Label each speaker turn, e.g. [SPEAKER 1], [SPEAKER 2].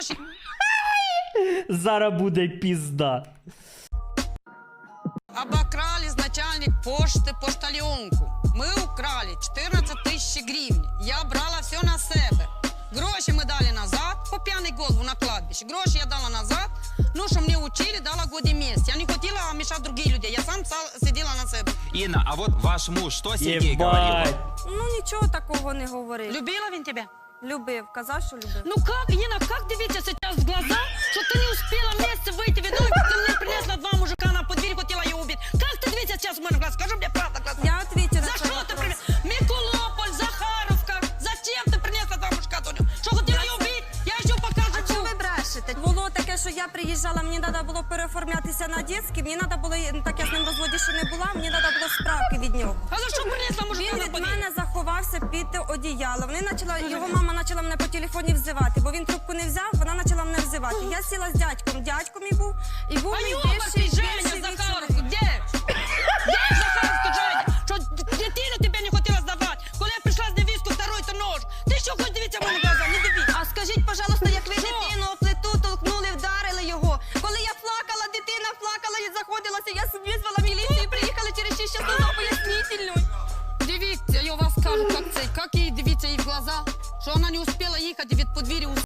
[SPEAKER 1] Зараз буде пізда.
[SPEAKER 2] Обокрали начальник пошти поштальонку. Ми украли 14 тисяч гривень. Я брала все на себе. Гроші ми дали назад, по п'яний голову на кладбище. Гроші я дала назад, ну, що мені учили, дала годі місць. Я не хотіла мішати другим людям, я сам сиділа на себе.
[SPEAKER 3] Инна, а вот ваш муж, что Сергей говорил?
[SPEAKER 1] Єбать.
[SPEAKER 4] Ну нічого такого не говорив.
[SPEAKER 2] Любила він тебе?
[SPEAKER 4] Любив, казав, що любив.
[SPEAKER 2] Ну как, Инна, как дивиться сейчас в глаза, что ты не успела вместе выйти? Видно, ты мне принесла два мужика на подверь, хотела ее убить. Как ты дивиться сейчас в мой глаз? Скажи мне правду, глаза.
[SPEAKER 4] Я отвечу на
[SPEAKER 2] За
[SPEAKER 4] твій
[SPEAKER 2] что ты
[SPEAKER 4] вопрос.
[SPEAKER 2] принесла? Миколополь, Захаровка. Зачем ты принесла два мужика, Доню? Что хотела ее убить? Я еще покажу.
[SPEAKER 4] А чого ви брешете? Було таке, що я приїжджала, мені треба було переоформлятися на дитячий, мені треба було, так я з ним в розводі ще не була, мені треба було справки від нього.
[SPEAKER 2] А за что принесла мужика
[SPEAKER 4] Він
[SPEAKER 2] на
[SPEAKER 4] від
[SPEAKER 2] подверь?
[SPEAKER 4] мене заховався під одіяло. Його мама почала мене по телефоні взивати, бо він трубку не взяв, вона почала мене взивати. Я сіла з дядьком, дядько мій був, і був мій
[SPEAKER 2] Ёбарь ты, Женя,
[SPEAKER 4] бивший
[SPEAKER 2] Захаровку,
[SPEAKER 4] чоловік.
[SPEAKER 2] где? Где Захаровку, Женя? Что дитину тебе не хотела сдавать? Коли я пришла з невісткою, второй то нож. Ти що хоч дивіться в мої глаза? Не дивіться.
[SPEAKER 4] А скажіть, пожалуйста, як ви
[SPEAKER 2] Що?
[SPEAKER 4] дитину о плиту толкнули, вдарили його? Коли я плакала, дитина плакала і заходилася, я визвала міліцію, приїхали через 6 часов на пояснительну.
[SPEAKER 2] Дивіться, я вас кажу, як їй дивіться їй в глаза, що вона не успіла їхати від подвір'я.